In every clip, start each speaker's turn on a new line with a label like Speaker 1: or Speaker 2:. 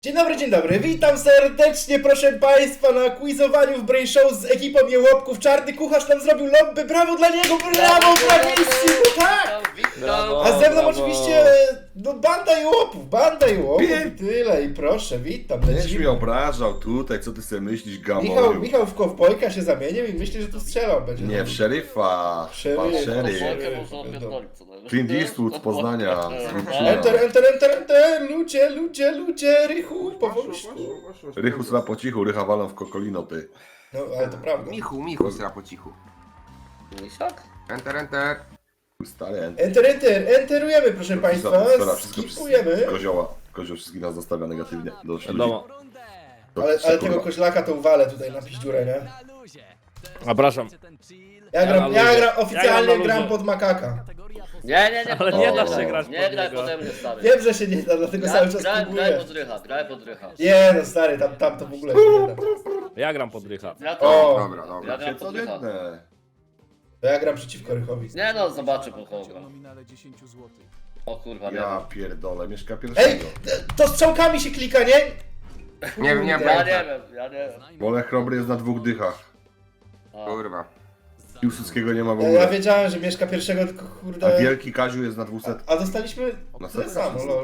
Speaker 1: Dzień dobry, witam serdecznie proszę Państwa na quizowaniu w Brain Show z ekipą Jełopków. Czarny kucharz nam zrobił lobby, brawo dla niego, brawo, brawissimo, tak!
Speaker 2: Brawo,
Speaker 1: A ze mną
Speaker 2: brawo.
Speaker 1: oczywiście, no banda Jełopów i tyle, i proszę, witam,
Speaker 3: Będziesz mnie
Speaker 1: lecimy.
Speaker 3: obrażał tutaj, co ty sobie myślisz, Gamoniu?
Speaker 1: Michał w kowbojka się zamienił i myśli, że tu strzelał będzie.
Speaker 3: Nie, w szeryfa, pan szeryf.
Speaker 2: Polkę można opierdolić, co najwyżej.
Speaker 3: Clint Eastwood z Poznania.
Speaker 1: Enter, ludzie, Rychu, powolutku.
Speaker 3: Rychu sra po cichu, Rycha walą w kokolino, ty.
Speaker 1: No, ale to prawda.
Speaker 4: Michu, sra po cichu.
Speaker 2: Misiak?
Speaker 4: Enter.
Speaker 3: Stary,
Speaker 1: Enterujemy proszę Państwa, skipujemy.
Speaker 3: Kozioł wszystkich nas zostawia negatywnie. Do
Speaker 5: Wiadomo.
Speaker 1: Ale tego koźlaka to uwalę tutaj na piździurę, nie?
Speaker 5: Zapraszam.
Speaker 1: Ja oficjalnie
Speaker 5: na
Speaker 1: gram
Speaker 5: luzie.
Speaker 1: pod makaka.
Speaker 2: Nie.
Speaker 5: Ale nie da się grać
Speaker 2: Nie
Speaker 5: pod
Speaker 2: graj
Speaker 5: niego.
Speaker 2: pode mnie, stary.
Speaker 1: Wiem, że się nie da, dlatego cały czas
Speaker 2: Graj
Speaker 1: próbuję.
Speaker 2: pod rycha.
Speaker 1: Nie no stary, tam to w ogóle się nie da.
Speaker 5: Ja gram pod Rycha.
Speaker 2: Ja
Speaker 1: O.
Speaker 2: to.
Speaker 4: Dobra.
Speaker 2: Ja gram
Speaker 3: Co
Speaker 2: pod rycha.
Speaker 3: jedne.
Speaker 1: To ja gram przeciwko Rychowi.
Speaker 2: Nie no, zobaczę po kogo. O kurwa, nie
Speaker 3: Ja
Speaker 2: wiem.
Speaker 3: pierdolę, mieszka
Speaker 1: Ej,
Speaker 3: pierwszego.
Speaker 1: to strzałkami się klika, nie?
Speaker 4: Nie wiem.
Speaker 2: Ja nie wiem.
Speaker 3: Wolę Chrobry jest na dwóch dychach.
Speaker 2: A,
Speaker 4: Kurwa.
Speaker 3: Piłsudskiego nie ma w
Speaker 1: Ja
Speaker 3: ogóle.
Speaker 1: wiedziałem, że mieszka pierwszego, tylko
Speaker 3: A
Speaker 1: kurde...
Speaker 3: Wielki Kaziu jest na 200.
Speaker 1: A dostaliśmy
Speaker 3: Na
Speaker 1: tyle
Speaker 3: setce
Speaker 1: samo, lol.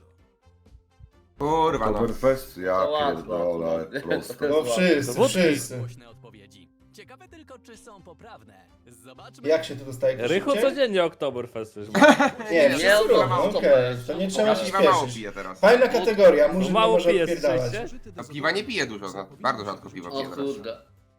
Speaker 4: Kurwa, no.
Speaker 3: Oktoberfest? Ja
Speaker 2: To łatwo.
Speaker 3: pierdolę, ale prosto.
Speaker 1: No wszyscy.
Speaker 6: Głośne odpowiedzi. Ciekawe tylko, czy są poprawne. Zobaczmy.
Speaker 1: Jak się tu dostaje
Speaker 5: Rychu
Speaker 1: szybciej?
Speaker 5: codziennie Oktoberfest już.
Speaker 1: Nie,
Speaker 2: Nie,
Speaker 1: wszyscy
Speaker 2: no,
Speaker 1: robią,
Speaker 2: no,
Speaker 1: okej.
Speaker 2: to
Speaker 1: To nie trzeba się
Speaker 4: Piwa mało
Speaker 1: śpieszyć.
Speaker 4: piję teraz.
Speaker 1: Fajna kategoria, murzyn nie
Speaker 5: Mało
Speaker 1: może
Speaker 5: pije,
Speaker 1: odpierdalać.
Speaker 5: słyszeliście?
Speaker 4: A piwa nie piję dużo, bardzo rzadko piwo
Speaker 2: O
Speaker 4: piję teraz.
Speaker 2: kurde.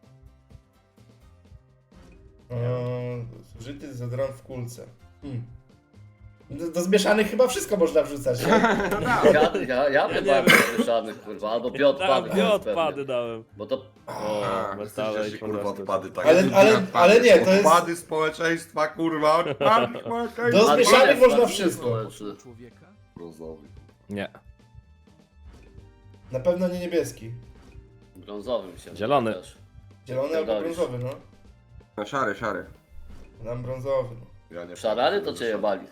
Speaker 1: Zużyty dezodorant w kulce. Do zmieszanych chyba wszystko można wrzucać, nie?
Speaker 2: Ja chyba mieszanych, kurwa, albo bioodpady.
Speaker 5: Tak, bioodpady dałem.
Speaker 2: Bo to...
Speaker 5: O, metale
Speaker 3: Przecież
Speaker 5: i
Speaker 3: się, kurwa, odpady tak.
Speaker 1: Ale nie, to jest...
Speaker 3: Odpady społeczeństwa, kurwa, odpady społeczeństwa.
Speaker 1: Do
Speaker 2: A
Speaker 1: zmieszanych
Speaker 2: nie,
Speaker 1: można
Speaker 2: nie,
Speaker 1: wszystko.
Speaker 2: nie,
Speaker 3: Brązowy.
Speaker 5: Nie.
Speaker 1: Na pewno nie niebieski.
Speaker 2: Brązowym się.
Speaker 5: Zielony.
Speaker 2: też.
Speaker 1: Zielony albo
Speaker 2: Pierdolisz.
Speaker 1: brązowy, no.
Speaker 4: No szary.
Speaker 1: Dam brązowy, no.
Speaker 3: Ja nie
Speaker 2: Szarany to cię jebali.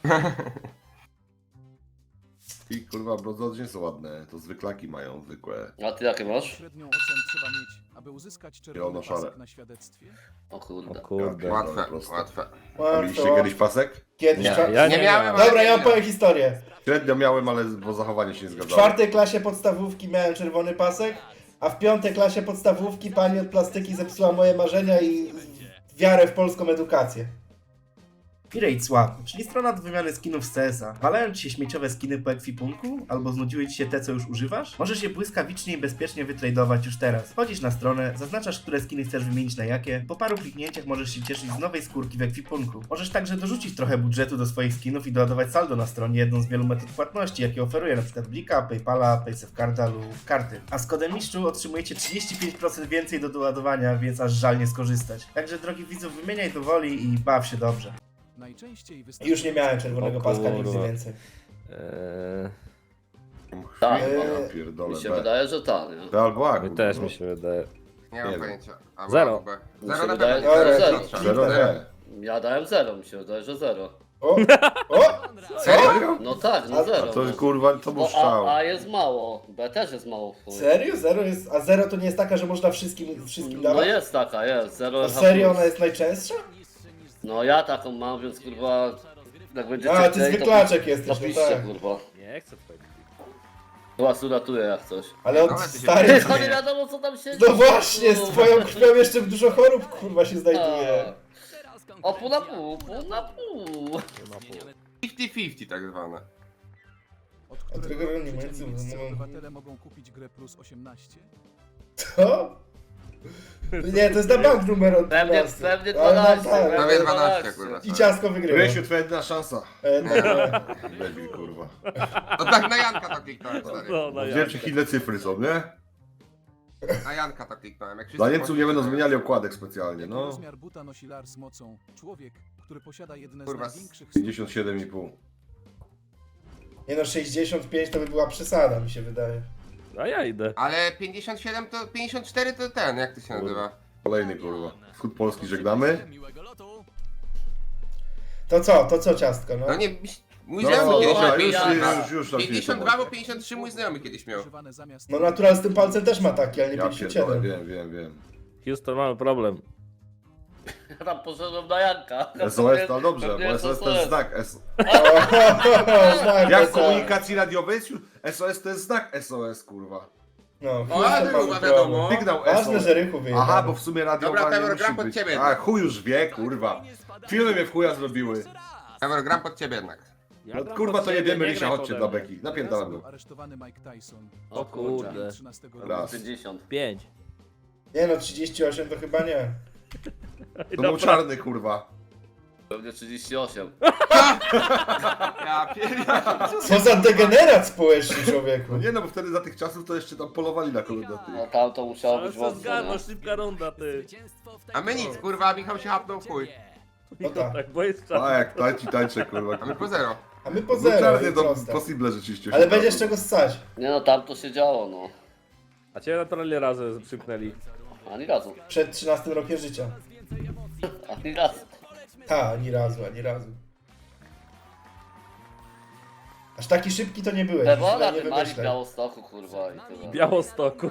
Speaker 3: I kurwa, brązowe nie są ładne, to zwyklaki mają zwykłe.
Speaker 2: A ty jakie masz?
Speaker 6: Średnią ocen trzeba mieć, aby uzyskać czerwony
Speaker 3: Zielono-szare.
Speaker 6: pasek na świadectwie.
Speaker 2: O
Speaker 5: O
Speaker 2: kurde.
Speaker 5: kurde.
Speaker 4: Łatwe.
Speaker 3: A mieliście
Speaker 1: Łatwo.
Speaker 3: kiedyś pasek?
Speaker 1: Kiedyś
Speaker 5: Nie,
Speaker 1: cza-
Speaker 5: ja
Speaker 4: Nie
Speaker 5: nie
Speaker 4: miałem,
Speaker 5: miałem.
Speaker 4: ale
Speaker 1: Dobra,
Speaker 4: nie
Speaker 1: ja
Speaker 4: miałem.
Speaker 1: opowiem historię.
Speaker 3: Średnio miałem, ale bo zachowanie się nie
Speaker 1: W
Speaker 3: zgadzało.
Speaker 1: czwartej klasie podstawówki miałem czerwony pasek, a w piątej klasie podstawówki pani od plastyki zepsuła moje marzenia i wiarę w polską edukację. Pirate Swap, czyli strona do wymiany skinów z CS-a. Walają ci się śmieciowe skiny po ekwipunku? Albo znudziły ci się te, co już używasz? Możesz je błyskawicznie i bezpiecznie wytradować już teraz. Wchodzisz na stronę, zaznaczasz, które skiny chcesz wymienić na jakie. Po paru kliknięciach możesz się cieszyć z nowej skórki w ekwipunku. Możesz także dorzucić trochę budżetu do swoich skinów i doładować saldo na stronie, jedną z wielu metod płatności, jakie oferuje np. Blika, Paypala, Paysafecarda lub karty. A z kodem mistrzu otrzymujecie 35% więcej do doładowania, więc aż żal nie skorzystać. Także drogi widzów, wymieniaj do woli i baw się dobrze.
Speaker 6: Najczęściej
Speaker 1: Już nie miałem czerwonego
Speaker 5: O
Speaker 1: paska, nigdy
Speaker 5: kurwa.
Speaker 1: więcej.
Speaker 2: Tak,
Speaker 3: Ja pierdolę,
Speaker 2: Mi się
Speaker 3: B.
Speaker 2: wydaje, że tak, nie?
Speaker 3: To albo A,
Speaker 5: Mi
Speaker 3: kurwa,
Speaker 5: też
Speaker 3: no.
Speaker 5: mi się wydaje.
Speaker 4: Nie
Speaker 3: Nie
Speaker 4: mam
Speaker 3: wiem.
Speaker 4: pojęcia. A,
Speaker 5: Zero.
Speaker 4: B.
Speaker 2: Mi
Speaker 4: Zero
Speaker 2: się
Speaker 4: na
Speaker 2: wydaje,
Speaker 4: pewno.
Speaker 2: że
Speaker 1: Zero.
Speaker 2: zero.
Speaker 3: Zero B.
Speaker 2: Ja dałem 0, mi się wydaje, że 0.
Speaker 1: O! O!
Speaker 4: Serio?
Speaker 2: No tak, no 0.
Speaker 3: To jest kurwa, to był
Speaker 2: Bo
Speaker 3: strzał.
Speaker 2: A jest mało, B też jest mało w chuj.
Speaker 1: Serio? Zero jest... A zero to nie jest taka, że można wszystkim
Speaker 2: No
Speaker 1: dawać?
Speaker 2: jest taka, jest, 0
Speaker 1: A serio ona jest najczęstsza?
Speaker 2: No ja taką mam, więc kurwa, jak będziecie
Speaker 1: A, ty
Speaker 2: chcieli,
Speaker 1: zwyklaczek
Speaker 2: to
Speaker 1: jesteś, no
Speaker 2: piszcie,
Speaker 1: tak.
Speaker 2: kurwa.
Speaker 5: Nie chcę twojego.
Speaker 2: To was uratuje jak coś.
Speaker 1: Ale od
Speaker 4: Ale ty się-
Speaker 1: stary...
Speaker 2: To nie wiadomo co tam się
Speaker 1: No właśnie, z twoją krwią jeszcze dużo chorób kurwa się znajduje.
Speaker 2: O pół na pół, pół na pół.
Speaker 4: 50-50 tak zwane.
Speaker 6: Od
Speaker 1: A
Speaker 6: którego
Speaker 1: którego nie
Speaker 6: życia
Speaker 1: między-
Speaker 6: niemieccy
Speaker 1: no-
Speaker 6: obywatele mogą kupić grę plus 18?
Speaker 1: Co? Nie, to jest na bank numer od
Speaker 2: Pewnie
Speaker 1: 12.
Speaker 2: 12,
Speaker 1: Ale no
Speaker 2: pewnie
Speaker 1: tak.
Speaker 4: Prawie 12, kurwa.
Speaker 1: I ciasko wygrywa.
Speaker 3: Rysiu, twoja jedyna szansa.
Speaker 1: No.
Speaker 3: Debil, kurwa.
Speaker 4: No tak na Janka to kliknąłem, stary.
Speaker 5: No, no
Speaker 3: Wiem, czy inne cyfry są, nie?
Speaker 4: Na Janka to kliknąłem. Jak
Speaker 3: Dla
Speaker 4: wszyscy
Speaker 3: Niemców nie będą
Speaker 4: poszli-
Speaker 3: zmieniali okładek specjalnie,
Speaker 6: Jaki
Speaker 3: no.
Speaker 6: rozmiar buta nosi Lars z mocą? Człowiek, który posiada jedne
Speaker 4: Kurwa,
Speaker 6: z największych...
Speaker 3: 57,5.
Speaker 1: Nie no, 65 to by była przesada, mi się wydaje.
Speaker 5: A ja idę.
Speaker 4: Ale 57 to... 54 to ten, jak to się nazywa?
Speaker 3: Kolejny, kurwa. Wschód Polski żegnamy.
Speaker 6: Miłego lotu!
Speaker 1: To co ciastko, no?
Speaker 4: No nie... Mój
Speaker 3: No,
Speaker 4: znajomy kiedyś
Speaker 2: dobra,
Speaker 4: miał
Speaker 3: już,
Speaker 4: 52.
Speaker 3: już tam
Speaker 4: 52 bo 53 mój znajomy kiedyś miał.
Speaker 1: No natural z tym palcem też ma taki, ale nie
Speaker 3: Ja pierdolę,
Speaker 1: 57.
Speaker 3: wiem.
Speaker 5: Houston, mamy problem.
Speaker 2: Ja tam poszedłem na Janka.
Speaker 3: SOS to dobrze,
Speaker 2: Pewnie
Speaker 3: bo
Speaker 2: jest
Speaker 3: SOS to jest znak.
Speaker 1: Tak,
Speaker 3: Jak w
Speaker 1: to-
Speaker 3: komunikacji radiowej jest już SOS to jest znak SOS, kurwa.
Speaker 1: No,
Speaker 4: O,
Speaker 1: Houston
Speaker 4: ale
Speaker 1: mamy
Speaker 4: chyba
Speaker 1: problem.
Speaker 4: wiadomo.
Speaker 3: Sygnał
Speaker 1: Ważne,
Speaker 3: SOS.
Speaker 1: że Rychu wyjechał.
Speaker 3: Aha, bo w sumie radiowa
Speaker 4: Dobra,
Speaker 3: nie
Speaker 4: Pewor,
Speaker 3: musi
Speaker 4: gram pod
Speaker 3: być.
Speaker 4: ciebie.
Speaker 3: A chuj już wie, kurwa. Filmy mnie w chuja zrobiły.
Speaker 4: Pewor, gram pod ciebie jednak.
Speaker 5: Ja
Speaker 3: No
Speaker 5: gram
Speaker 3: kurwa
Speaker 5: pod
Speaker 3: to
Speaker 5: siebie,
Speaker 3: jebiemy
Speaker 5: nie
Speaker 3: Rysia,
Speaker 5: graj
Speaker 3: chodźcie
Speaker 5: pode
Speaker 3: dla
Speaker 5: mnie.
Speaker 3: Beki. Napierdalam
Speaker 7: Był
Speaker 3: go.
Speaker 7: aresztowany Mike Tyson.
Speaker 2: O kurde.
Speaker 7: 13
Speaker 3: Raz.
Speaker 2: 50.
Speaker 5: 5.
Speaker 1: Nie no, 38 to chyba nie.
Speaker 3: To był czarny, kurwa.
Speaker 2: Pewnie 38.
Speaker 4: Ja pierdolę.
Speaker 1: Co za degenerat społeczny, człowieku.
Speaker 3: No nie no, bo wtedy za tych czasów to jeszcze tam polowali na kogoś.
Speaker 2: No tam to musiało
Speaker 5: Ale
Speaker 2: być
Speaker 5: co
Speaker 2: mocno,
Speaker 5: zgadzasz,
Speaker 2: nie?
Speaker 5: szybka runda, ty.
Speaker 4: A my nic, kurwa, Michał się hapnął w chuj.
Speaker 1: No tak.
Speaker 5: Tak, bo jest
Speaker 3: A
Speaker 5: czas.
Speaker 3: jak tańczę, kurwa.
Speaker 4: A my po zero.
Speaker 1: A my po
Speaker 3: No
Speaker 1: zero,
Speaker 3: czarny
Speaker 1: jest
Speaker 3: to
Speaker 1: proste.
Speaker 3: possible rzeczywiście.
Speaker 1: Ale
Speaker 3: się
Speaker 1: będzie z
Speaker 3: zdarza.
Speaker 1: czego ssać.
Speaker 2: Nie no, tam to się działo, no.
Speaker 5: A cię naturalnie razy przymknęli.
Speaker 2: Ani razu.
Speaker 1: Przed 13 rokiem życia.
Speaker 2: Ani razu.
Speaker 1: Ta, ani razu, ani razu. Aż taki szybki to nie byłeś.
Speaker 2: Ebola,
Speaker 1: nie
Speaker 2: ty Mali w
Speaker 1: wymyślaj.
Speaker 2: Białostoku, kurwa, i tyle.
Speaker 5: Białostoku.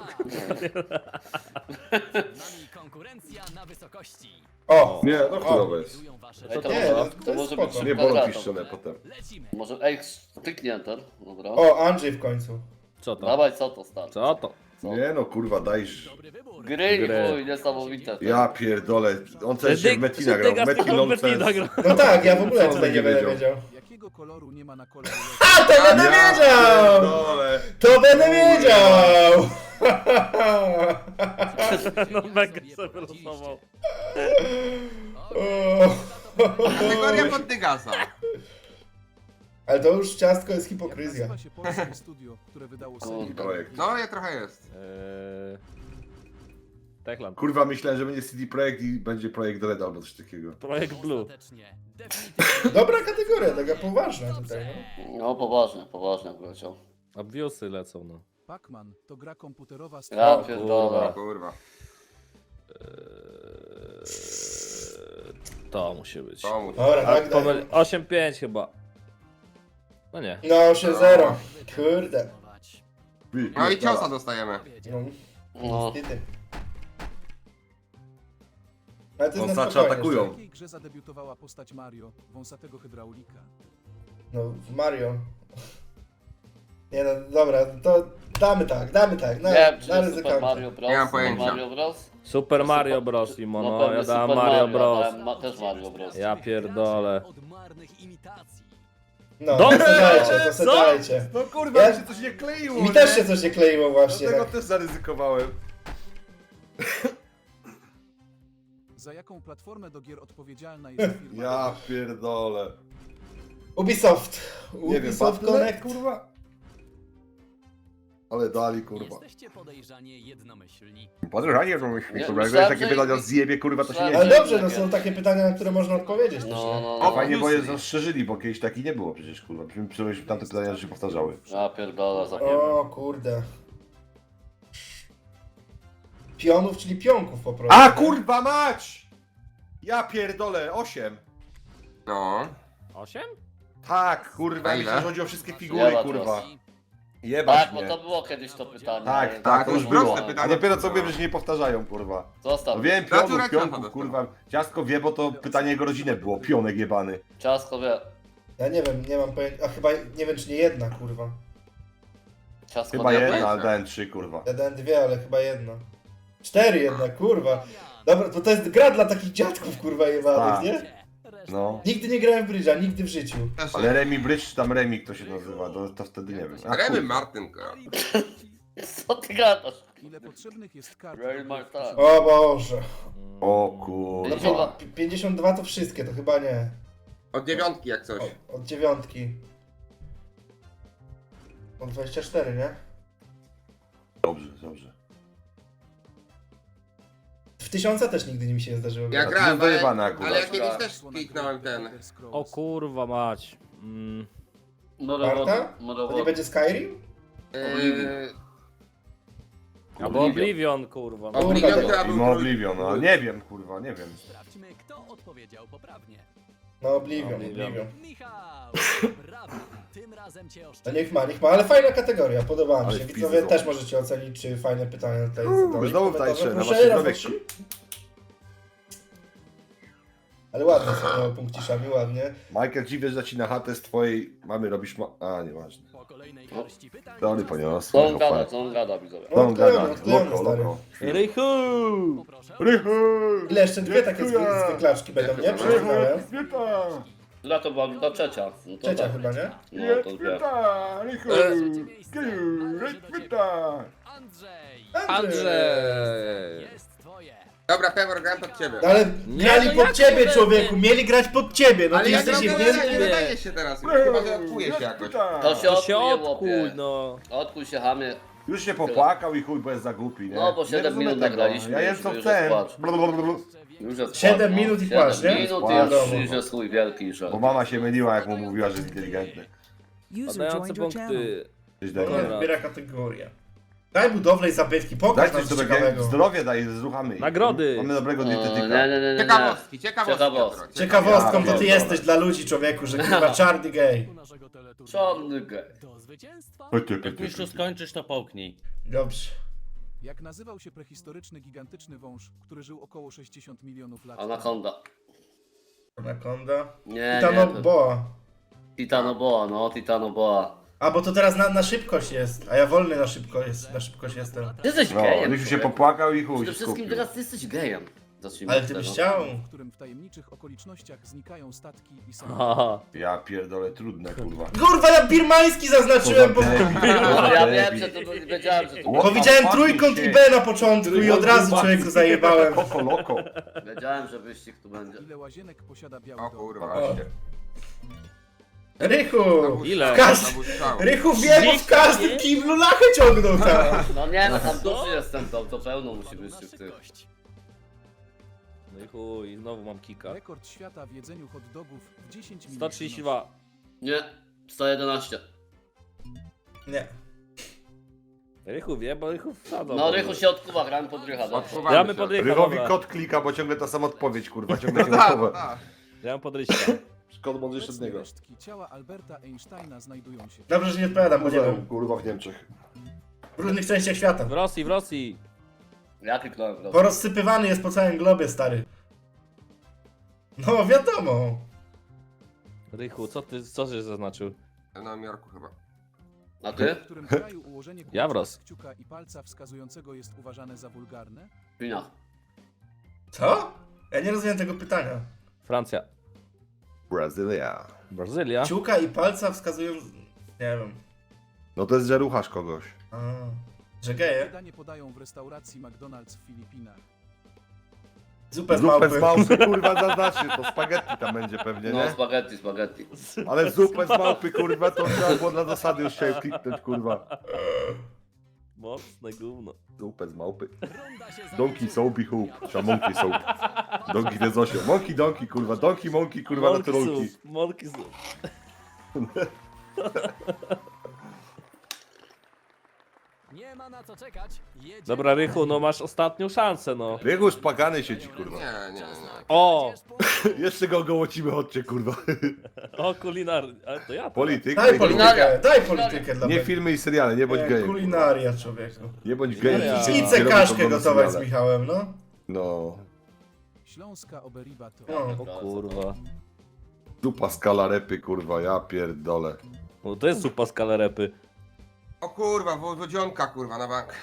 Speaker 6: Konkurencja na wysokości.
Speaker 1: O!
Speaker 3: Nie, no chujowe jest.
Speaker 6: Kierują wasze
Speaker 2: Ej, to,
Speaker 1: Nie,
Speaker 2: może,
Speaker 1: no,
Speaker 2: to,
Speaker 1: to jest
Speaker 2: może
Speaker 1: spoko.
Speaker 2: być
Speaker 3: Nie bolą
Speaker 2: kwadratem.
Speaker 3: piszczone potem.
Speaker 6: Lecimy.
Speaker 2: Może, ej, kliknij enter. Dobra.
Speaker 1: O, Andrzej w końcu.
Speaker 5: Co to?
Speaker 2: Dawaj, co to start?
Speaker 5: Co to?
Speaker 2: Co?
Speaker 3: Nie no, kurwa, dajesz.
Speaker 6: Dobry wybór.
Speaker 2: Gry,
Speaker 5: Gry.
Speaker 2: chuj, niesamowite.
Speaker 3: Ja pierdolę. On też się w Metina grał.
Speaker 5: Dygas
Speaker 3: Metin
Speaker 5: tylko w
Speaker 3: LOL
Speaker 5: Metina
Speaker 3: CS.
Speaker 5: gra.
Speaker 1: No tak, ja w ogóle
Speaker 3: Co
Speaker 1: tutaj
Speaker 3: on
Speaker 1: nie
Speaker 3: będzie
Speaker 1: będę wiedział.
Speaker 7: Jakiego koloru nie ma na kolorze?
Speaker 1: A, to będę wiedział!
Speaker 3: Pierdolę.
Speaker 1: To będę wiedział!
Speaker 5: No mega sobie losował.
Speaker 4: Kategoria pod Dygasa.
Speaker 1: Ale to już ciastko jest hipokryzja.
Speaker 7: Nazywa się Polskie Studio, które wydało serię.
Speaker 3: Projekt.
Speaker 4: No, ja trochę jest.
Speaker 5: Techland.
Speaker 3: Kurwa, myślałem, że będzie CD Projekt i będzie projekt Red albo coś takiego.
Speaker 5: Projekt Blue.
Speaker 6: Ostatecznie. Definitywnie.
Speaker 1: Dobra kategoria, taka poważna tutaj. No.
Speaker 2: No, poważnie wleciał.
Speaker 5: Obviusy lecą, no.
Speaker 7: Pac-Man to gra komputerowa z
Speaker 2: Ja
Speaker 1: O,
Speaker 2: pierdolę.
Speaker 4: Kurwa.
Speaker 5: To musi być.
Speaker 4: To mu.
Speaker 1: Dobra,
Speaker 5: A
Speaker 1: tak, daj.
Speaker 5: 8-5 chyba. No nie.
Speaker 1: No 8-0. Kurde.
Speaker 4: No i ciosa dostajemy.
Speaker 1: No,
Speaker 2: No.
Speaker 1: niestety. Ale to jest na
Speaker 3: Wąsacze
Speaker 1: spokojnie.
Speaker 3: atakują.
Speaker 7: W jakiej grze zadebiutowała postać Mario, wąsatego hydraulika?
Speaker 1: No, w Mario. Nie no, dobra, to damy tak, na
Speaker 2: Nie wiem, czy
Speaker 1: na
Speaker 2: jest Super
Speaker 1: ryzykantę.
Speaker 2: Mario Bros.
Speaker 4: Nie mam
Speaker 2: Super
Speaker 4: pojęcia.
Speaker 2: Mario Bros.
Speaker 5: Super Mario Bros. Imo, no.
Speaker 2: pewnie
Speaker 5: Ja dałem
Speaker 2: Super
Speaker 5: Mario
Speaker 2: ja
Speaker 5: Bros.
Speaker 2: dałem też Mario Bros.
Speaker 5: Ja pierdolę.
Speaker 6: Od marnych imitacji.
Speaker 1: No,
Speaker 5: Dobrze!
Speaker 1: to se dajcie, to se
Speaker 5: Co?
Speaker 1: dajcie.
Speaker 3: No kurwa,
Speaker 1: Ja-
Speaker 3: mi się coś nie kleiło,
Speaker 1: Mi też się coś nie kleiło właśnie.
Speaker 3: Dlatego
Speaker 1: Tak.
Speaker 3: też zaryzykowałem.
Speaker 7: Za jaką platformę do gier odpowiedzialna jest firma?
Speaker 3: Ja pierdolę.
Speaker 1: Ubisoft.
Speaker 3: Nie wiem,
Speaker 1: Ubisoft
Speaker 3: Battle.net,
Speaker 1: Connect.
Speaker 3: kurwa. Ale dali, kurwa.
Speaker 6: Jesteście podejrzanie jednomyślni.
Speaker 3: Podejrzanie, że myśli,
Speaker 2: Nie,
Speaker 3: kurwa. Jak
Speaker 2: myślałem,
Speaker 3: takie
Speaker 2: że-
Speaker 3: pytania zjebie, kurwa, to się nie
Speaker 2: myślałem,
Speaker 1: Ale
Speaker 3: dzieje.
Speaker 1: dobrze, no są takie pytania, na które można odpowiedzieć też,
Speaker 2: No,
Speaker 1: nie?
Speaker 2: no,
Speaker 4: O,
Speaker 2: no.
Speaker 3: Fajnie, bo je
Speaker 4: Obviously.
Speaker 3: rozszerzyli, bo kiedyś taki nie było przecież, kurwa. Przecież tamte pytania się powtarzały.
Speaker 2: Ja pierdolę, zapomniałem.
Speaker 1: O kurde. Pionów, czyli pionków po prostu.
Speaker 3: A
Speaker 1: nie?
Speaker 3: kurwa mać! Ja pierdolę, 8.
Speaker 4: No.
Speaker 5: 8?
Speaker 3: Tak, kurwa,
Speaker 4: A
Speaker 3: mi
Speaker 4: ile?
Speaker 3: się chodzi o wszystkie figury,
Speaker 2: Jebać
Speaker 3: kurwa.
Speaker 2: was.
Speaker 3: Jebać
Speaker 2: Tak, bo
Speaker 3: mnie.
Speaker 2: to było kiedyś to pytanie.
Speaker 3: Tak,
Speaker 2: ale-
Speaker 3: tak, to już
Speaker 4: proste
Speaker 3: było.
Speaker 4: pytanie.
Speaker 3: A dopiero co wiem, że się nie powtarzają, kurwa.
Speaker 2: Zostaw.
Speaker 3: No wiem,
Speaker 4: Natura
Speaker 3: pionów,
Speaker 4: ciacha
Speaker 3: pionków,
Speaker 4: dostała.
Speaker 3: kurwa. Ciastko wie, bo to pytanie jego rodziny było. Pionek jebany.
Speaker 2: Ciastko wie.
Speaker 1: Ja nie wiem, nie mam pojęcia. A chyba, nie wiem czy nie jedna, kurwa.
Speaker 2: Ciastko
Speaker 3: Chyba
Speaker 2: wie.
Speaker 3: jedna, ale dałem 3, kurwa.
Speaker 1: Ja dałem 2, ale chyba jedna. 4 jednak, kurwa. Dobra, to jest gra dla takich dziadków, kurwa, jebanych,
Speaker 3: Tak.
Speaker 1: nie?
Speaker 3: No.
Speaker 1: Nigdy nie grałem w brydża, nigdy w życiu.
Speaker 4: Też
Speaker 3: Ale Remi Bridge, czy tam Remi, kto się nazywa, to wtedy nie wiem. A,
Speaker 4: Remy
Speaker 3: kurwa.
Speaker 4: Martyn, kurwa.
Speaker 2: Co ty gadasz?
Speaker 7: Ile potrzebnych jest kart?
Speaker 2: Real
Speaker 7: do
Speaker 2: Marta.
Speaker 7: gry w
Speaker 1: O Boże.
Speaker 3: O
Speaker 1: No,
Speaker 3: kurwa.
Speaker 1: 52 to wszystkie, to chyba nie.
Speaker 4: Od dziewiątki jak coś.
Speaker 1: Od 9. Od 24, nie?
Speaker 3: Dobrze, dobrze.
Speaker 1: W 1000 też nigdy mi się nie zdarzyło.
Speaker 4: Ja
Speaker 1: grać.
Speaker 3: to
Speaker 4: grałem,
Speaker 3: jest dojebane akurat.
Speaker 4: ale ja kiedyś
Speaker 2: Dobra.
Speaker 4: też kliknąłem ten.
Speaker 7: Elder Scrolls.
Speaker 5: O kurwa mać.
Speaker 1: Marta? To nie będzie Skyrim?
Speaker 5: Albo Oblivion, kurwa. No.
Speaker 4: Oblivion,
Speaker 1: Kurwa,
Speaker 4: która
Speaker 3: I
Speaker 4: był
Speaker 3: ma Oblivion, no nie wiem, kurwa, nie wiem.
Speaker 6: Sprawdźmy, kto odpowiedział poprawnie.
Speaker 1: No Oblivion,
Speaker 5: Oblivion.
Speaker 1: Oblivion.
Speaker 6: Michał! Brawo! Tym razem cię
Speaker 1: No
Speaker 6: oszczędzę.
Speaker 1: niech ma, ale fajna kategoria, podobała mi
Speaker 3: Ale
Speaker 1: się.
Speaker 3: wpis
Speaker 1: Widzowie
Speaker 3: są.
Speaker 1: też możecie ocenić, czy fajne pytania tutaj zadałeś.
Speaker 3: znowu
Speaker 1: Komentarze
Speaker 3: tańsze, na
Speaker 1: proszę,
Speaker 3: waszych
Speaker 1: raz,
Speaker 3: zdrowie.
Speaker 1: dwa, trzy. Ale ładnie są punkciszami, ładnie.
Speaker 3: Michael, dziwię, że ci na chatę z twojej mamy robisz A, nieważne.
Speaker 6: Po kolejnej garści pytań...
Speaker 3: To on
Speaker 6: czas
Speaker 3: poniosł.
Speaker 2: Co on gada, co on gada, widzowie.
Speaker 3: To on gada,
Speaker 1: Odklejony,
Speaker 3: loko,
Speaker 1: stary.
Speaker 3: loko.
Speaker 5: Rychu!
Speaker 6: Poproszę.
Speaker 1: Ile jeszcze dwie takie zwyklaczki będą, nie? Przeczytałem.
Speaker 2: Która to była ta trzecia? No to
Speaker 1: Trzecia
Speaker 2: tak.
Speaker 1: chyba, nie?
Speaker 2: No to dwie.
Speaker 6: Trzecie miejsce należy do ciebie. Andrzej!
Speaker 5: Andrzej!
Speaker 6: Jest twoje.
Speaker 4: Dobra, Pewor, gram pod ciebie.
Speaker 1: No ale
Speaker 5: Nie,
Speaker 1: grali
Speaker 5: no
Speaker 1: pod
Speaker 5: jak
Speaker 1: ciebie,
Speaker 5: to
Speaker 1: człowieku, mieli grać pod ciebie, no
Speaker 4: Ale
Speaker 1: ty
Speaker 4: ja
Speaker 1: jesteś
Speaker 4: gram
Speaker 1: jeden.
Speaker 4: nie nadaje się teraz, chyba że odkuję się jakoś.
Speaker 2: To się
Speaker 5: To się
Speaker 2: odkuj,
Speaker 5: odkuj,
Speaker 2: łopie.
Speaker 5: no.
Speaker 2: Odkuj się, hamie.
Speaker 3: Już się popłakał i chuj, bo jest za głupi, nie?
Speaker 2: No, bo
Speaker 3: Nie
Speaker 2: 7
Speaker 3: rozumiem
Speaker 2: minut
Speaker 3: tego.
Speaker 2: nagraliśmy,
Speaker 3: Ja jem
Speaker 2: już
Speaker 3: co
Speaker 2: jest
Speaker 3: chcę.
Speaker 2: płacz.
Speaker 3: Blablabla.
Speaker 2: Już jest
Speaker 1: 7
Speaker 2: płacz, no.
Speaker 1: minut i
Speaker 2: 7
Speaker 1: płacz, nie?
Speaker 2: minut i
Speaker 1: Wiadomo.
Speaker 2: już jest chuj wielki, że...
Speaker 3: Bo mama się myliła, jak mu mówiła, że jest inteligentny.
Speaker 8: User
Speaker 5: Badające
Speaker 8: joined your channel.
Speaker 5: punkty.
Speaker 3: Coś
Speaker 1: No,
Speaker 3: takiego.
Speaker 1: zbiera kategorię. Daj budowlę i zabytki,
Speaker 3: Daj
Speaker 1: pokaż nam
Speaker 3: coś
Speaker 1: coś
Speaker 3: dobrego,
Speaker 1: ciekawego.
Speaker 3: zdrowie daj, zruchamy.
Speaker 5: Nagrody.
Speaker 3: Mamy dobrego
Speaker 2: O, nie,
Speaker 3: dietetyka.
Speaker 2: nie.
Speaker 4: Ciekawostki.
Speaker 2: Ciekawostki.
Speaker 4: Piotr,
Speaker 1: Ciekawostką
Speaker 3: Ja
Speaker 1: to ty
Speaker 3: pierdolę.
Speaker 1: jesteś dla ludzi, człowieku, że chyba czarny gej.
Speaker 6: U naszego teleturnieju.
Speaker 2: Czarny gej.
Speaker 6: Do zwycięstwa
Speaker 9: Jak już to skończysz, to połknij.
Speaker 1: Dobrze.
Speaker 7: Jak nazywał się prehistoryczny, gigantyczny wąż, który żył około 60 milionów lat?
Speaker 2: Anakonda.
Speaker 1: Anakonda.
Speaker 2: Nie,
Speaker 1: Titanoboa.
Speaker 2: Titanoboa, no, Titanoboa.
Speaker 1: A bo to teraz na szybkość jest, a ja wolny na szybkość jestem.
Speaker 2: Ty jesteś
Speaker 3: No,
Speaker 2: gejem,
Speaker 3: już się
Speaker 2: człowieku.
Speaker 3: popłakał i chuj
Speaker 2: Przede
Speaker 3: się
Speaker 2: wszystkim
Speaker 3: skupił.
Speaker 2: teraz ty jesteś gejem. Zacznijmy
Speaker 1: Ale
Speaker 2: od
Speaker 1: ty byś
Speaker 2: tego.
Speaker 1: chciał.
Speaker 7: W którym w tajemniczych okolicznościach znikają statki i samoloty.
Speaker 5: Haha.
Speaker 3: Ja pierdolę, trudne kurwa.
Speaker 1: Kurwa, ja birmański zaznaczyłem, bo
Speaker 2: No, ja wiem, że to wiedziałem, że to
Speaker 1: powiedziałem trójkąt i B na początku i od razu człowieku zajebałem.
Speaker 3: Koko loko.
Speaker 2: wiedziałem, że wyścig tu będzie.
Speaker 7: Ile łazienek posiada biały
Speaker 4: O
Speaker 7: dom?
Speaker 4: kurwa.
Speaker 1: O. Rychu!
Speaker 5: Ile?
Speaker 1: Rychu wie, bo w każdym kiblu lachę ciągnął tam.
Speaker 2: No nie, no tam duży jestem, to pełno musi być
Speaker 6: na
Speaker 2: tych tych.
Speaker 6: szybkość.
Speaker 5: No i chuj, znowu mam kika.
Speaker 7: Rekord świata w jedzeniu hot dogów w 10 minut.
Speaker 5: 132.
Speaker 2: Nie, 111.
Speaker 1: Nie.
Speaker 5: Rychu wie, bo Rychu wsadzał.
Speaker 2: No Rychu się odkuwa, gramy pod Rycha, no.
Speaker 5: Gramy pod Rycha,
Speaker 3: Rychowi
Speaker 5: dobra.
Speaker 3: kot klika, bo ciągle ta sama odpowiedź, kurwa, ciągle się
Speaker 4: Tak,
Speaker 3: odpowie.
Speaker 4: tak.
Speaker 5: Gramy pod Ryśka.
Speaker 3: Szkoda mądrzejszy od
Speaker 7: Obecnie
Speaker 3: niego.
Speaker 7: resztki ciała Alberta Einsteina znajdują się.
Speaker 1: Dobrze, że nie odpowiadam, bo nie wiem.
Speaker 3: Kurwa w Niemczech.
Speaker 1: W różnych częściach świata.
Speaker 5: W Rosji, w Rosji.
Speaker 2: Ja kliknąłem w Rosję.
Speaker 1: Porozsypywany jest po całym globie, stary. No, wiadomo.
Speaker 5: Rychu, co żeś zaznaczył?
Speaker 4: W Nowym Jorku chyba.
Speaker 2: A ty?
Speaker 7: W którym kraju ułożenie
Speaker 5: Ja w Rosji.
Speaker 7: kciuka i palca wskazującego jest uważane za wulgarne?
Speaker 2: W Chinach.
Speaker 1: Co? Ja nie rozumiem tego pytania.
Speaker 5: Francja.
Speaker 3: Brazylia.
Speaker 5: Brazylia.
Speaker 1: Ciuka i palca wskazują... Nie wiem.
Speaker 3: No to jest, że ruchasz kogoś.
Speaker 1: A, że geje?
Speaker 7: Danie podają w restauracji McDonald's w Filipinach.
Speaker 1: Zupę z
Speaker 3: Zupę z
Speaker 1: małpy.
Speaker 3: małpy, kurwa, zaznaczy. To spaghetti tam będzie pewnie,
Speaker 2: No,
Speaker 3: nie?
Speaker 2: spaghetti.
Speaker 3: Ale zupę z małpy, kurwa, to trzeba było dla zasady już chciałem kliknąć, kurwa.
Speaker 5: Mocne gówno.
Speaker 3: Zupę z małpy.
Speaker 6: Runda się
Speaker 3: Donkey soapy hoop. Trzeba monkey soap. Donkey to jest 8. Monkey donkey, kurwa. Donkey monkey, kurwa, na trolki.
Speaker 5: Monkey soup.
Speaker 6: Nie ma na co czekać. Jedziemy
Speaker 5: Dobra, Rychu, no masz ostatnią szansę, no.
Speaker 3: Biegu już płakany sieci, kurwa.
Speaker 4: Nie, nie, nie.
Speaker 5: O!
Speaker 3: Jeszcze go gołocimy, chodźcie, kurwa.
Speaker 5: O, kulinar. Ale to ja.
Speaker 3: Polityka.
Speaker 1: Daj
Speaker 3: i-
Speaker 1: politykę, daj politykę dla
Speaker 3: Nie
Speaker 1: mnie.
Speaker 3: filmy i seriale, nie bądź gejem.
Speaker 1: Kulinaria, człowieku.
Speaker 3: Nie bądź gejem.
Speaker 5: Kulinaria.
Speaker 3: Nie
Speaker 1: Idźcie
Speaker 3: robię
Speaker 1: kaszkę
Speaker 3: to do
Speaker 1: gotować z
Speaker 3: seriale.
Speaker 1: Michałem, no.
Speaker 3: No.
Speaker 7: Śląska oberiba to...
Speaker 1: No.
Speaker 5: O kurwa.
Speaker 3: Dupa skala repy, kurwa, ja pierdolę.
Speaker 5: No to jest zupa z kalerepy.
Speaker 4: O kurwa, wodzionka kurwa na bank.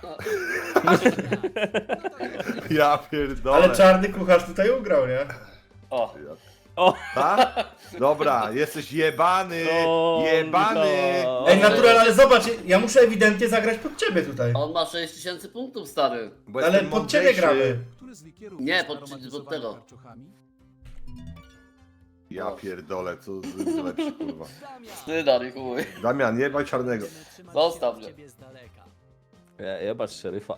Speaker 3: Ja pierdolę.
Speaker 1: Ale czarny kucharz tutaj ugrał, nie?
Speaker 2: O,
Speaker 5: O!
Speaker 3: Tak? Dobra, jesteś jebany!
Speaker 5: O,
Speaker 3: Jebany!
Speaker 5: no.
Speaker 1: Ej, natural, ale zobacz, ja muszę ewidentnie zagrać pod ciebie tutaj.
Speaker 2: on ma 6000 punktów, stary.
Speaker 3: Bo
Speaker 1: Ale
Speaker 3: jestem
Speaker 1: pod ciebie
Speaker 3: mądrzejszy.
Speaker 1: gramy.
Speaker 7: Który z likierów
Speaker 2: Nie,
Speaker 7: jest
Speaker 2: pod
Speaker 7: aromatyzowany
Speaker 2: tego.
Speaker 7: karczochami?
Speaker 3: Ja pierdolę, co z lepszy, kurwa.
Speaker 2: Wstyda, chuj.
Speaker 3: Damian, nie baj czarnego.
Speaker 2: Zostaw mnie.
Speaker 6: Ciebie z daleka.
Speaker 5: Jebacz szeryfa.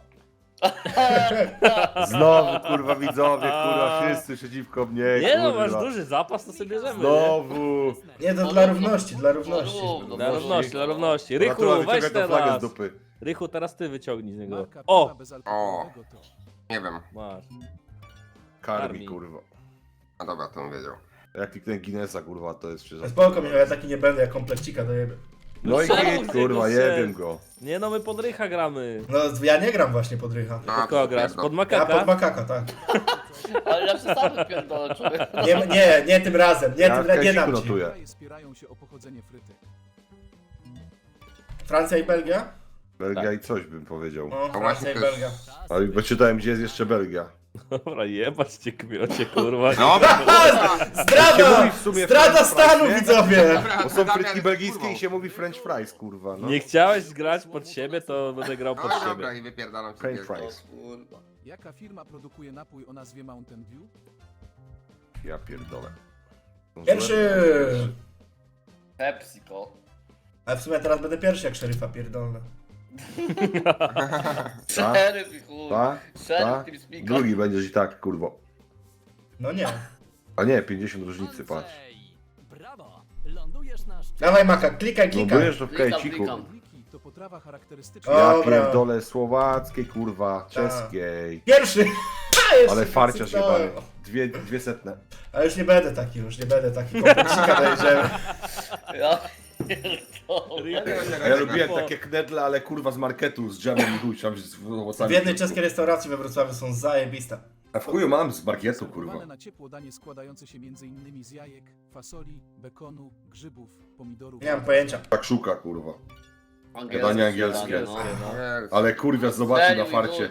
Speaker 3: Znowu, kurwa, widzowie, kurwa, wszyscy przeciwko mnie,
Speaker 5: Nie no,
Speaker 3: kurwa.
Speaker 5: masz duży zapas, to sobie bierzemy. nie?
Speaker 3: Znowu.
Speaker 1: Nie, to dla równości, dla równości.
Speaker 5: Dla równości, dla równości. Rychu,
Speaker 3: Natura
Speaker 5: weź
Speaker 3: wyciąga tą flagę z
Speaker 5: teraz.
Speaker 3: dupy.
Speaker 5: Rychu, teraz ty wyciągnij z niego.
Speaker 7: Marka
Speaker 5: O!
Speaker 7: piwa bezalkoholowego to...
Speaker 4: Nie wiem.
Speaker 5: Masz.
Speaker 3: Karmi,
Speaker 5: Karmi.
Speaker 3: kurwa.
Speaker 4: A dobra, to on wiedział.
Speaker 3: Jak kliknę Guinnessa, kurwa, to jest przecież...
Speaker 1: Spoko, Michał, ja taki nie będę, jak komplekcika dojebę.
Speaker 3: No i
Speaker 5: Czemu
Speaker 3: git,
Speaker 5: z
Speaker 3: kurwa,
Speaker 5: niego
Speaker 3: jebiem
Speaker 5: szedł?
Speaker 3: go.
Speaker 5: Nie no, my pod Rycha gramy.
Speaker 1: No, ja nie gram właśnie pod Rycha.
Speaker 4: A,
Speaker 5: Pod kogo grasz?
Speaker 4: no.
Speaker 5: Pod
Speaker 1: Ja
Speaker 5: makaka?
Speaker 1: pod makaka, tak.
Speaker 2: Ale ja przesadzę pierdolę, człowiek.
Speaker 1: Nie tym razem, nie
Speaker 3: Ja
Speaker 1: tym razem, nie
Speaker 3: w
Speaker 1: dam
Speaker 3: Kęsiku
Speaker 1: ci.
Speaker 3: notuję.
Speaker 7: Kraje spierają się o pochodzenie frytek.
Speaker 1: Francja i Belgia?
Speaker 3: Belgia i coś bym powiedział.
Speaker 1: No, Francja
Speaker 4: właśnie
Speaker 1: i
Speaker 4: też.
Speaker 1: Belgia.
Speaker 3: Ale bo czytałem, gdzie jest jeszcze Belgia.
Speaker 5: Dobra, jebać cię, kmiocie, kurwa.
Speaker 4: Dobra,
Speaker 1: Zdrada!
Speaker 3: mówi w sumie
Speaker 1: Zdrada
Speaker 3: French
Speaker 1: stanu,
Speaker 3: fries, nie?
Speaker 1: widzowie!
Speaker 4: dobra,
Speaker 3: Bo są
Speaker 4: Damian
Speaker 3: frytki
Speaker 4: jest
Speaker 3: belgijskie
Speaker 4: kurwą.
Speaker 3: i się mówi French fries, kurwa, no.
Speaker 5: Nie chciałeś grać pod siebie, to będę grał
Speaker 4: No
Speaker 5: pod
Speaker 4: i dobra,
Speaker 5: siebie.
Speaker 4: i wypierdalam się.
Speaker 3: French
Speaker 2: O
Speaker 3: fries.
Speaker 2: kurwa.
Speaker 7: Jaka firma produkuje napój o nazwie Mountain Dew?
Speaker 3: Ja pierdolę.
Speaker 1: Pierwszy!
Speaker 2: PepsiCo.
Speaker 1: A w sumie teraz będę pierwszy, jak szeryfa pierdolę.
Speaker 2: Szeryf i chuj.
Speaker 3: Ta?
Speaker 2: Szeryf
Speaker 3: Ta?
Speaker 2: tym speaker.
Speaker 3: Drugi będziesz i tak, kurwo.
Speaker 1: No nie.
Speaker 3: A nie, 50 różnicy, patrz.
Speaker 6: Andrzej, brawo! Lądujesz na szczycie.
Speaker 1: Dawaj Maka, klikaj,
Speaker 3: No
Speaker 1: klikaj.
Speaker 3: byjesz to w
Speaker 2: Klikam,
Speaker 3: kajciku.
Speaker 2: klikam.
Speaker 7: Wiki to potrawa charakterystyczna.
Speaker 1: O.
Speaker 3: Ja
Speaker 1: Dobra.
Speaker 3: pierdolę słowackiej, kurwa, czeskiej.
Speaker 1: Pierwszy! Ha, jeszcze
Speaker 3: Ale farciarz
Speaker 1: wysypałem.
Speaker 3: jebany. Dwie setne.
Speaker 1: Ale już nie będę taki, kompleksika dojdziemy.
Speaker 2: Ja pierdolę.
Speaker 3: A ja lubiłem takie knedle, ale kurwa z marketu, z dżemem i chuj, tam z
Speaker 1: W
Speaker 3: owocami.
Speaker 1: jednej czeskiej restauracji we Wrocławiu są zajebiste.
Speaker 3: A w chuju mam z marketu, kurwa.
Speaker 7: Serwowane na ciepło danie składające się m.in. z jajek, fasoli, bekonu, grzybów, pomidorów.
Speaker 1: Nie mam pojęcia.
Speaker 3: Tak szuka, kurwa.
Speaker 2: Angielskie
Speaker 3: Jadanie angielskie.
Speaker 2: śniadanie, no.
Speaker 4: Jezu.
Speaker 3: Ale kurwa zobaczył na
Speaker 2: Serio,
Speaker 3: farcie.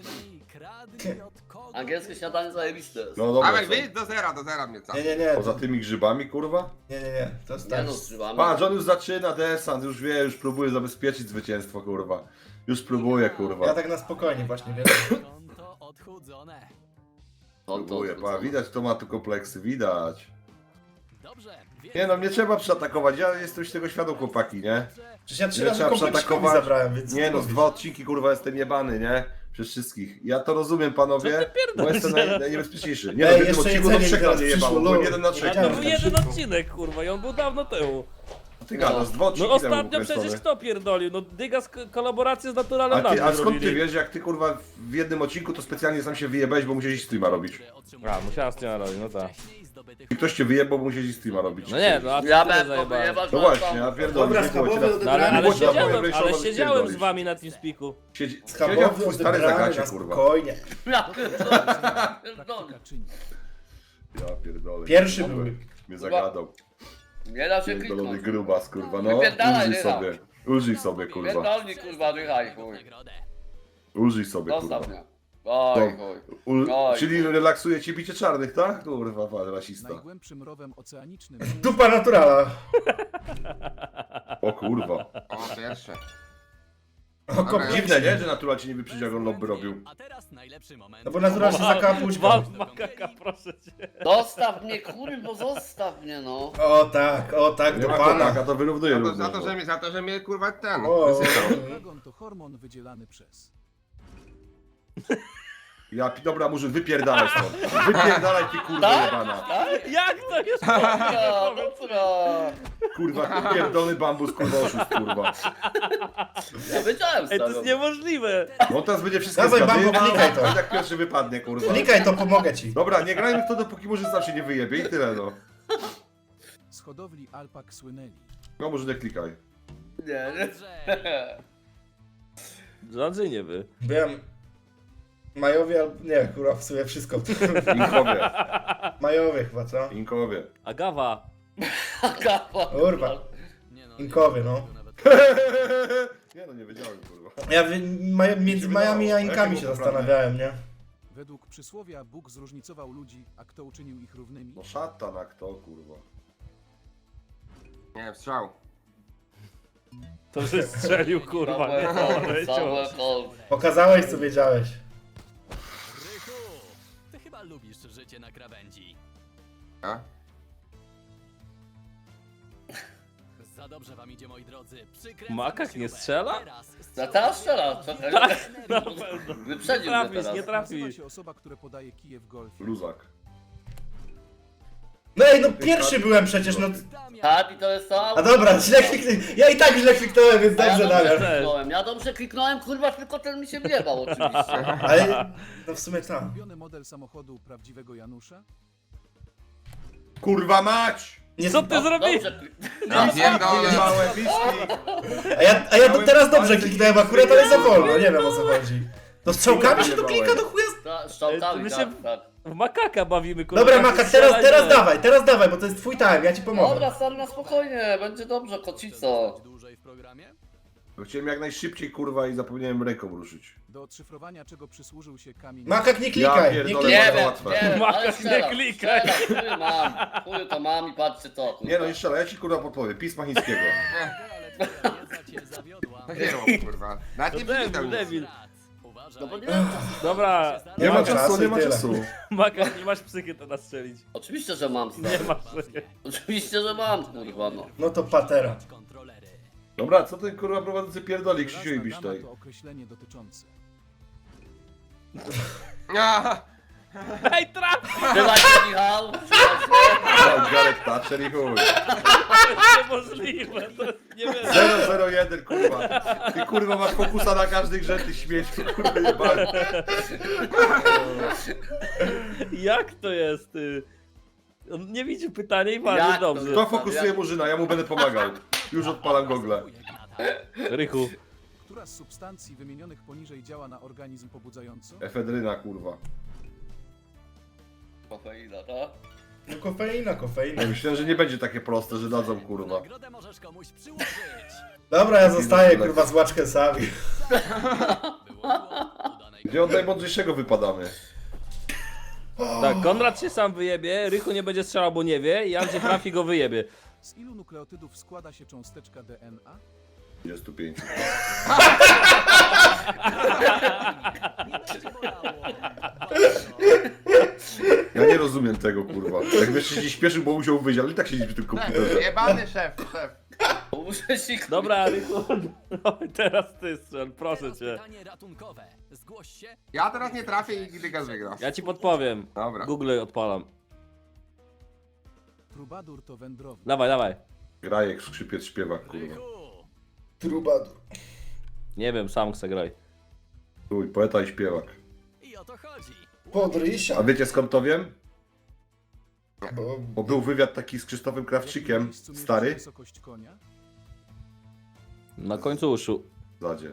Speaker 6: Kradnij od kogo?
Speaker 2: Angielskie śniadanie zajebiste jest.
Speaker 3: No dobra,
Speaker 4: Dawaj,
Speaker 3: co?
Speaker 4: wyjdź do zera mnie cały.
Speaker 1: Nie.
Speaker 3: Poza tymi grzybami, kurwa?
Speaker 1: Nie. To jest
Speaker 2: Nie
Speaker 1: tak.
Speaker 2: no, z grzybami.
Speaker 3: Patrz, on już zaczyna desant, już wie, już próbuje zabezpieczyć zwycięstwo, kurwa. Już próbuje,
Speaker 1: Ja
Speaker 3: kurwa.
Speaker 1: tak na spokojnie właśnie, wiesz.
Speaker 6: Konto odchudzone.
Speaker 3: Próbuje, pa, widać, kto ma tu kompleksy, widać.
Speaker 6: Dobrze.
Speaker 3: Nie no, mnie trzeba przeatakować, ja jestem już tego świadom, chłopaki, nie?
Speaker 1: Przecież ja 3
Speaker 3: Ile
Speaker 1: razy
Speaker 3: trzeba
Speaker 1: kompleksikowi
Speaker 3: przeatakować?
Speaker 1: zabrałem, więc...
Speaker 3: Nie no, z
Speaker 1: mówisz.
Speaker 3: 2 odcinki, kurwa, jestem jebany, nie? Przez wszystkich. Ja to rozumiem, panowie, bo jestem najniebezpieczniejszy. Nie no, w jednym
Speaker 1: jeszcze
Speaker 3: odcinku to
Speaker 1: jedzenie
Speaker 3: 3
Speaker 1: teraz
Speaker 3: razy
Speaker 1: przyszło,
Speaker 3: jebało, byłem
Speaker 1: lol.
Speaker 3: 1 na 3.
Speaker 5: To
Speaker 1: Wiedziałem,
Speaker 5: był
Speaker 1: że
Speaker 5: jeden
Speaker 1: przyszło.
Speaker 5: odcinek, kurwa, i on był dawno temu.
Speaker 3: Ty gadasz, 2 odcinki
Speaker 5: No
Speaker 3: temu
Speaker 5: ostatnio
Speaker 3: ukręcone.
Speaker 5: przecież kto pierdolił? No Dyga kolaborację z Naturalem
Speaker 3: A skąd ty
Speaker 5: robili.
Speaker 3: wiesz, jak ty kurwa w jednym odcinku to specjalnie sam się wyjebałeś, bo musiałeś streama robić.
Speaker 5: A, musiałem z tym robić, no tak.
Speaker 3: I ktoś cię wyjebał, bo musiałeś streama robić.
Speaker 5: No nie, no a
Speaker 2: Ja
Speaker 5: ty
Speaker 2: miałem
Speaker 5: zajebałeś.
Speaker 2: wyjebać,
Speaker 3: No właśnie, ja pierdolę.
Speaker 1: Dobra,
Speaker 3: nie było cię
Speaker 1: schabowy
Speaker 3: na-
Speaker 5: No ale,
Speaker 1: odebrany.
Speaker 3: Było cię na mojej
Speaker 5: ale
Speaker 3: wejściowej
Speaker 5: siedziałem z
Speaker 3: rozpierdolić.
Speaker 5: wami na tym spiku.
Speaker 3: Siedział
Speaker 1: Schabowy
Speaker 3: twój stary
Speaker 1: odebrany
Speaker 3: zagacie,
Speaker 1: na
Speaker 3: kurwa.
Speaker 1: spokojnie.
Speaker 2: Ja pierdolę.
Speaker 7: Praktyka czyni.
Speaker 3: Ja pierdolę.
Speaker 1: Pierwszy
Speaker 3: kurwa,
Speaker 1: był.
Speaker 3: Mnie zagadał.
Speaker 2: Nie da się
Speaker 3: Pierdolony
Speaker 2: kliknąć.
Speaker 3: grubas, kurwa, no.
Speaker 2: Wypierdalaj,
Speaker 3: Użyj
Speaker 2: Rycha.
Speaker 3: sobie. Użyj sobie, kurwa.
Speaker 2: Pierdolni kurwa, dychaj chuj.
Speaker 3: Użyj sobie, kurwa.
Speaker 2: Zostaw mnie. Oj
Speaker 3: No.
Speaker 2: chuj. Oj,
Speaker 3: Czyli relaksuje cię bicie czarnych, tak? Kurwa, pan rasista.
Speaker 7: Najgłębszym rowem oceanicznym.
Speaker 1: Dupa naturala.
Speaker 3: O kurwa.
Speaker 4: O, pierwsze.
Speaker 1: O, kompleksik.
Speaker 3: Dziwne, nie? Że natural cię nie wyprzedził, jak on lobby robił.
Speaker 6: A teraz najlepszy moment.
Speaker 1: No bo natura się zakała pućką.
Speaker 5: Wal makaka, proszę cię.
Speaker 2: Zostaw mnie kurwa, zostaw mnie no.
Speaker 1: O tak,
Speaker 3: Nie
Speaker 1: do
Speaker 3: ma
Speaker 1: pana.
Speaker 3: kokaka, to wyrównuje
Speaker 4: Za to,
Speaker 3: równo.
Speaker 4: za to, że mnie kurwa ten.
Speaker 1: O.
Speaker 4: wysypał.
Speaker 7: Dragon to hormon wydzielany przez.
Speaker 3: Dobra, murzyn, wypierdalaj stąd. Wypierdalaj ty kurwa jebana.
Speaker 5: Jak to jest?
Speaker 2: Dobra, dobra.
Speaker 3: Kurwa, pierdolony bambus, kurwa oszust, kurwa.
Speaker 2: Ja wiedziałem
Speaker 5: Ej, to
Speaker 2: stary.
Speaker 5: jest niemożliwe.
Speaker 3: No teraz będzie wszystko
Speaker 1: Dawaj,
Speaker 3: zgadywał,
Speaker 1: bambu, klikaj to.
Speaker 3: a jak pierwszy wypadnie, kurwa.
Speaker 1: Klikaj to, pomogę ci.
Speaker 3: Dobra, nie grajmy w to, dopóki murzyn sam się nie wyjebie i tyle, no.
Speaker 7: Z hodowli alpak słynęli.
Speaker 3: No może nie klikaj.
Speaker 2: Nie, nie.
Speaker 5: Rządzy nie wy.
Speaker 1: Byłem... Majowie albo... Nie, kurwa, w sumie wszystko.
Speaker 3: Inkowie,
Speaker 1: Majowie chyba, co?
Speaker 3: inkowie.
Speaker 5: Agawa.
Speaker 2: Kapa.
Speaker 1: Kurwa.
Speaker 6: Nie no,
Speaker 1: Inkowy, no.
Speaker 3: Nie no, nie wiedziałem, kurwa.
Speaker 1: Ja między Majami a Inkami się zastanawiałem, nie?
Speaker 7: Według przysłowia Bóg zróżnicował ludzi, a kto uczynił ich równymi?
Speaker 3: No szata na kto, kurwa.
Speaker 4: Nie wiem, strzał.
Speaker 5: To że strzelił, kurwa, nie poleciał.
Speaker 2: Samuel
Speaker 1: Pokazałeś, co wiedziałeś.
Speaker 6: Rychu, ty chyba lubisz życie na krawędzi.
Speaker 4: A?
Speaker 6: Za dobrze wam idzie, moi drodzy.
Speaker 5: Makak nie strzela?
Speaker 2: Za teraz strzela, czekaj.
Speaker 5: Na pewno.
Speaker 2: Wyprzedził
Speaker 5: Nie
Speaker 2: mnie
Speaker 5: trafisz, nie
Speaker 2: teraz.
Speaker 7: Nazywa
Speaker 5: trafisz.
Speaker 7: się osoba, która podaje kije w golfie.
Speaker 3: Luzak.
Speaker 1: No ej, no pierwszy byłem przecież, no...
Speaker 2: Tak, i to jest to.
Speaker 1: A dobra, źle kliknąłem. Ja i tak źle kliknąłem, więc
Speaker 2: A ja
Speaker 1: dobrze,
Speaker 2: dobrze
Speaker 1: Damian.
Speaker 2: kliknąłem. Ja dobrze kliknąłem, kurwa, tylko ten mi się wjebał oczywiście.
Speaker 1: Ale... No w sumie tak.
Speaker 7: Ulubiony model samochodu prawdziwego Janusza?
Speaker 3: Kurwa mać!
Speaker 1: Nie,
Speaker 5: Co ty zrobiłeś?
Speaker 2: Dobrze,
Speaker 4: Ja pierdolę.
Speaker 3: Małe piski!
Speaker 1: A ja teraz dobrze kliknąłem akurat, ale za wolno, nie wiem o co chodzi. To strzałkami się tu klika do chuja?
Speaker 2: strzałkami,
Speaker 5: My się-
Speaker 2: tak, tak.
Speaker 5: W makaka bawimy, kurwa.
Speaker 1: Dobra,
Speaker 5: tak
Speaker 1: Maka,
Speaker 5: strzelać,
Speaker 1: teraz dawaj, bo to jest twój time, ja ci pomogę.
Speaker 2: Dobra, stary, na spokojnie, będzie dobrze, kocico.
Speaker 6: Dłużej w programie?
Speaker 3: Chciałem jak najszybciej, kurwa, i zapomniałem ręką ruszyć.
Speaker 7: Do odszyfrowania czego przysłużył się kamień...
Speaker 1: Makak, nie
Speaker 3: Ja
Speaker 1: klikaj, nie
Speaker 3: pierdolę.
Speaker 1: klikaj.
Speaker 2: Nie wiem,
Speaker 3: łatwe.
Speaker 2: nie wiem,
Speaker 5: Maka,
Speaker 2: ale
Speaker 5: nie
Speaker 2: strzelam,
Speaker 5: klikaj.
Speaker 2: strzelam, chuj mam, chuj to mam i patrzcie co, kurwa.
Speaker 3: Nie no, jeszcze raz, ja ci kurwa podpowiem. Pisma chińskiego.
Speaker 6: Ale twoja wiedza cię zawiodła.
Speaker 4: Nie rób, kurwa. Nawet nie
Speaker 5: To
Speaker 4: przeczytał
Speaker 5: debil,
Speaker 4: nic.
Speaker 5: debil.
Speaker 6: Uważaj.
Speaker 2: No bo nie wiem,
Speaker 5: Dobra,
Speaker 3: Nie ma
Speaker 1: ma
Speaker 3: czasu,
Speaker 1: czasu
Speaker 3: nie
Speaker 1: i
Speaker 3: ma
Speaker 1: tyle.
Speaker 3: czasu.
Speaker 5: Maka, nie masz psychy to nastrzelić.
Speaker 2: oczywiście, że mam,
Speaker 5: Nie
Speaker 2: stary.
Speaker 5: masz psychy.
Speaker 2: Oczywiście, że mam, kurwa, no.
Speaker 1: No to patera.
Speaker 6: Kontrolery.
Speaker 3: Dobra, co ten kurwa prowadzący pierdoli, Krzysiu i
Speaker 7: Wyraźna dama
Speaker 3: Bisztaj?
Speaker 7: to określenie dotyczące.
Speaker 4: A,
Speaker 5: Ej, traf!
Speaker 2: Trzymaj się, Michał, trzymaj się.
Speaker 3: Garek Thatcher i chuj.
Speaker 5: To jest niemożliwe, to jest nie wiem.
Speaker 3: 001 kurwa. Ty kurwa masz fokusa na każdy grze, ty śmieci, kurwa jebany.
Speaker 5: Jak to jest, ty? On nie widzi pytania i bardzo
Speaker 2: Jak to
Speaker 5: dobrze.
Speaker 3: Kto fokusuje Murzyna? Ja mu będę pomagał. Już odpalam gogle.
Speaker 5: Rychu.
Speaker 7: Która z substancji wymienionych poniżej działa na organizm pobudzająco?
Speaker 3: Efedryna kurwa.
Speaker 2: Kofeina, tak?
Speaker 1: No kofeina.
Speaker 3: Ja myślałem, że nie będzie takie proste, że dadzą kurwa.
Speaker 6: Nagrodę możesz komuś przyłożyć.
Speaker 1: Dobra, ja zostaję kurwa z łaczkesami.
Speaker 6: Było udanej
Speaker 3: Gdzie od najmądrzejszego wypadamy?
Speaker 5: Tak, Konrad się sam wyjebie, Rychu nie będzie strzelał, bo nie wie i Andrzej trafi go wyjebie.
Speaker 7: Z ilu nukleotydów składa się cząsteczka DNA?
Speaker 3: 25.
Speaker 6: Nie będzie bolało.
Speaker 3: Ja nie rozumiem tego kurwa. Jak wiesz, się śpieszył, bo musiał wyjść, ale i tak siedzieć w tym komputerze.
Speaker 4: jebany szef.
Speaker 2: Muszę się,
Speaker 5: Dobra, Rychu, no, teraz ty strzel, proszę
Speaker 6: Teraz
Speaker 5: cię.
Speaker 6: pytanie ratunkowe. Zgłoś się.
Speaker 4: Ja teraz nie trafię i nigdy gaz wygra.
Speaker 5: Ja ci podpowiem.
Speaker 4: Dobra.
Speaker 5: Google odpalam.
Speaker 7: Trubadur to wędrowny.
Speaker 5: Dawaj, dawaj.
Speaker 3: Grajek, skrzypiec, śpiewak kurwa.
Speaker 6: Rychu.
Speaker 1: Trubadur.
Speaker 5: Nie wiem, sam chcę grać.
Speaker 3: Uj, poeta i śpiewak.
Speaker 6: I o to chodzi.
Speaker 1: Podrysia.
Speaker 3: A wiecie skąd to wiem?
Speaker 1: Bo...
Speaker 3: Bo był wywiad taki z Krzysztofem
Speaker 7: W jakim
Speaker 3: Krawczykiem,
Speaker 7: miejscu mieści się
Speaker 3: stary,
Speaker 7: wysokość konia?
Speaker 5: Na końcu uszu.
Speaker 3: w zadzie.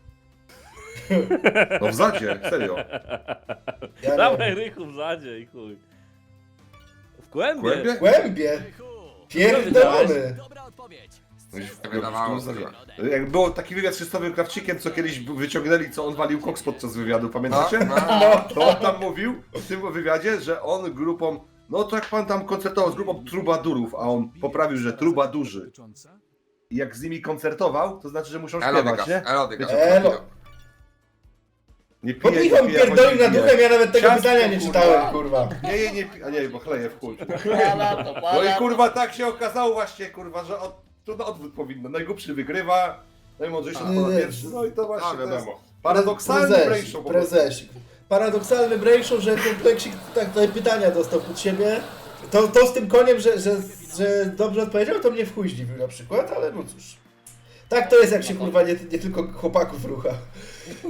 Speaker 3: No w zadzie, serio.
Speaker 1: Ja nie
Speaker 5: Dawaj,
Speaker 1: wiem.
Speaker 5: Rychu w zadzie i chuj. W głębie.
Speaker 3: Głębie?
Speaker 1: Głębie.
Speaker 6: Rychu.
Speaker 1: Pierdolony.
Speaker 6: Dobra odpowiedź.
Speaker 4: Wydawało się.
Speaker 3: Jak było taki wywiad z Krzysztofem Krawczykiem, co kiedyś wyciągnęli, co on walił koks podczas wywiadu,
Speaker 4: No,
Speaker 3: pamiętacie?
Speaker 4: no.
Speaker 3: To on tam mówił w tym wywiadzie, że on grupą, no to jak pan tam koncertował z grupą trubadurów, a on poprawił, że trubadurzy.
Speaker 7: Dotycząca?
Speaker 3: I jak z nimi koncertował, to znaczy, że muszą
Speaker 4: Elodygas,
Speaker 3: śpiewać, nie?
Speaker 4: Elodygas.
Speaker 1: Elo.
Speaker 3: Nie
Speaker 1: Bo
Speaker 3: pije,
Speaker 1: Michał
Speaker 3: nie pije,
Speaker 1: pierdoli
Speaker 3: bo
Speaker 1: na
Speaker 3: nie
Speaker 1: duchem,
Speaker 3: pije.
Speaker 1: ja nawet tego
Speaker 3: Ciastko,
Speaker 1: pytania nie
Speaker 3: kurwa.
Speaker 1: czytałem, kurwa.
Speaker 3: Nie, a nie, bo chleje w chuj.
Speaker 2: Pala to,
Speaker 3: No
Speaker 2: pala
Speaker 3: i kurwa tak się okazało właśnie, kurwa, że to na odwrót powinno. Najgłupszy wygrywa, najmądrzejszy odpada pierwszy, no i to właśnie
Speaker 4: A, wiadomo.
Speaker 3: to jest paradoksalny brainshow po prostu.
Speaker 1: Prezesik. Paradoksalny brainshow, że kompleksik tak tutaj pytania dostał pod siebie. To z tym koniem, że dobrze odpowiedział, to mnie w chuj zdziwił na przykład, ale no cóż. Tak to jest, jak się kurwa nie tylko chłopaków rucha.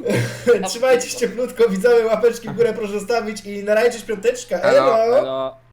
Speaker 1: Trzymajcie się cieplutko, widzowie, łapeczki w górę proszę stawić i na razie piąteczka.
Speaker 4: Elo.
Speaker 1: Elo!
Speaker 5: Elo.